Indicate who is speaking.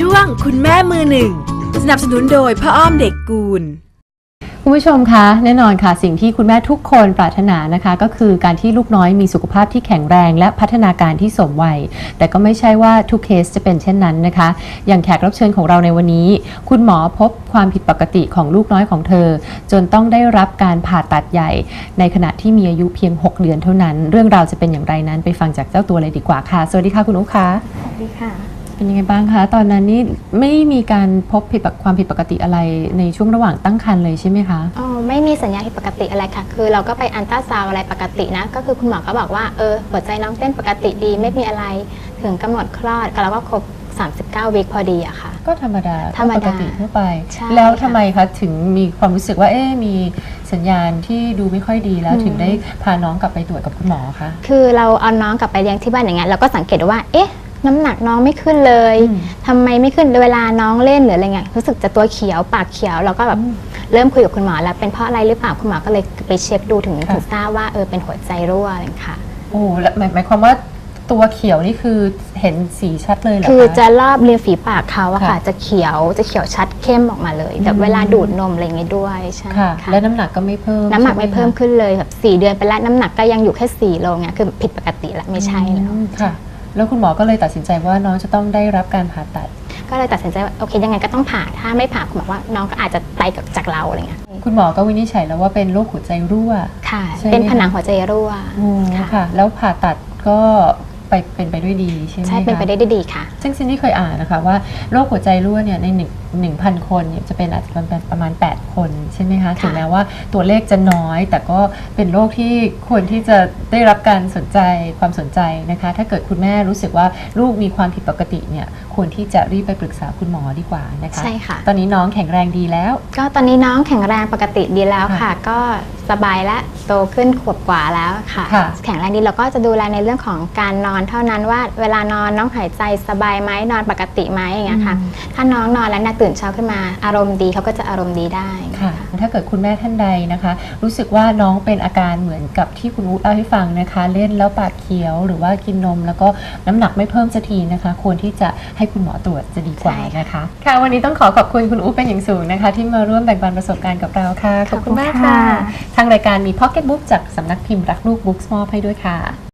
Speaker 1: ช่วงคุณแม่มือหนึ่งสนับสนุนโดยพ่ออ้อมเด็กกูล
Speaker 2: คุณผู้ชมคะแน่นอนค่ะสิ่งที่คุณแม่ทุกคนปรารถนานะคะก็คือการที่ลูกน้อยมีสุขภาพที่แข็งแรงและพัฒนาการที่สมวัยแต่ก็ไม่ใช่ว่าทุกเคสจะเป็นเช่นนั้นนะคะอย่างแขกรับเชิญของเราในวันนี้คุณหมอพบความผิดปกติของลูกน้อยของเธอจนต้องได้รับการผ่าตัดใหญ่ในขณะที่มีอายุเพียง6 เดือนเท่านั้นเรื่องราวจะเป็นอย่างไรนั้นไปฟังจากเจ้าตัวเลยดีกว่าค่ะสวัสดีค่ะคุณอุ๊ค่ะ
Speaker 3: สวัสดีค่ะ
Speaker 2: เป็นยังไงบ้างคะตอนนั้นนี่ไม่มีการพบความผิดปกติอะไรในช่วงระหว่างตั้งครรภ์เลยใช่ไหมคะ
Speaker 3: อ๋อไม่มีสัญญาณผิดปกติอะไรค่ะคือเราก็ไปอัลตราซาวอะไรปกตินะก็คือคุณหมอก็บอกว่าหัวใจน้องเต้นปกติดีไม่มีอะไรถึงกำหนดคลอดก็แล้วก็ครบ39 วีคพอดีอะค่ะ
Speaker 2: ก็ธรรมดาปกติทั่วไป
Speaker 3: แ
Speaker 2: ล้วทำไมคะถึงมีความรู้สึกว่ามีสัญญาณที่ดูไม่ค่อยดีแล้วถึงได้พาน้องกลับไปตรวจกับคุณหมอคะ
Speaker 3: คือเราเอาน้องกลับไปเลี้ยงที่บ้านอย่างเงี้ยเราก็สังเกตว่าน้ำหนักน้องไม่ขึ้นเลยทำไมไม่ขึ้นเวลาน้องเล่นหรืออะไรเงี้ยรู้สึกจะตัวเขียวปากเขียวเราก็แบบเริ่มคุยกับคุณหมอแล้วเป็นเพราะอะไรหรือเปล่าคุณหมอก็เลยไปเช็คดูถึงทราบว่าเป็นหัวใจรั่วอะไรค่ะ
Speaker 2: โอ้แล้วหมายความว่าตัวเขียวนี่คือเห็นสีชัดเลยเหรอคะ
Speaker 3: คือจะรอบริมฝีปากเขาอะค่ะจะเขียวชัดเข้มออกมาเลยแต่เวลาดูดนมอะไรเงี้ยด้วยใช่
Speaker 2: ค่ะแล้วน้ำหนักก็ไม่เพิ่ม
Speaker 3: น้ำหนักไม่เพิ่มขึ้นเลยแบบ4 เดือนไปแล้วน้ำหนักก็ยังอยู่แค่4 โลเงี้ยคือผิดปกติละไม่ใช่แล้ว
Speaker 2: ค่ะแล้วคุณหมอก็เลยตัดสินใจว่าน้องจะต้องได้รับการผ่าตัด
Speaker 3: ก็เลยตัดสินใจว่าโอเคยังไงก็ต้องผ่าถ้าไม่ผ่าคุณหมอว่าน้องก็อาจจะไปจากเราอะไรเงี้ย
Speaker 2: คุณหมอก็วินิจฉัยแล้วว่าเป็นโรคหัวใจรั่ว
Speaker 3: ค่ะเป็นผนังหัวใจรั่ว
Speaker 2: ค่ะแล้วผ่าตัดก็เป็นไปด้วยดีใช่ไหมคะ
Speaker 3: ใช่เป็นไปได้ดีค่ะ
Speaker 2: ซึ่งซินดี้เคยอ่านนะคะว่าโรคหัวใจรั่วเนี่ยใน1,000 คนเนี่ยจะเป็นอาจจะเป็นประมาณ8 คนใช่ไหมคะถึงแม้ว่าตัวเลขจะน้อยแต่ก็เป็นโรคที่ควรที่จะได้รับการความสนใจนะคะถ้าเกิดคุณแม่รู้สึกว่าลูกมีความผิดปกติเนี่ยควรที่จะรีบไปปรึกษาคุณหมอดีกว่านะคะ
Speaker 3: ใช่ค่ะ
Speaker 2: ตอนนี้น้องแข็งแรงดีแล้ว
Speaker 3: ก็ตอนนี้น้องแข็งแรงปกติดีแล้วค่ะก็สบายและโตขึ้นขวบกว่าแล้วค่ะแข็งแรงดีเราก็จะดูแลในเรื่องของการนอนเท่านั้นว่าเวลานอนน้องหายใจสบายไหมนอนปกติไหมอย่างเงี้ยค่ะถ้าน้องนอนแล้วตื่นเช้าขึ้นมาอารมณ์ดีเขาก็จะอารมณ์ดีได้
Speaker 2: ค่ะถ้าเกิดคุณแม่ท่านใดนะคะรู้สึกว่าน้องเป็นอาการเหมือนกับที่คุณอุ๊เล่าให้ฟังนะคะเล่นแล้วปากเขียวหรือว่ากินนมแล้วก็น้ำหนักไม่เพิ่มสักทีนะคะควรที่จะให้คุณหมอตรวจจะดีกว่านะคะค่ะวันนี้ต้องขอบคุณคุณอุ๊เป็นอย่างสูงนะคะที่มาร่วมแบ่งปันประสบการณ์กับเราค่ะขอบคุณมากค่ะทางรายการมี Pocket Book จากสำนักพิมพ์รักลูกบุ๊กส์มอบให้ด้วยค่ะ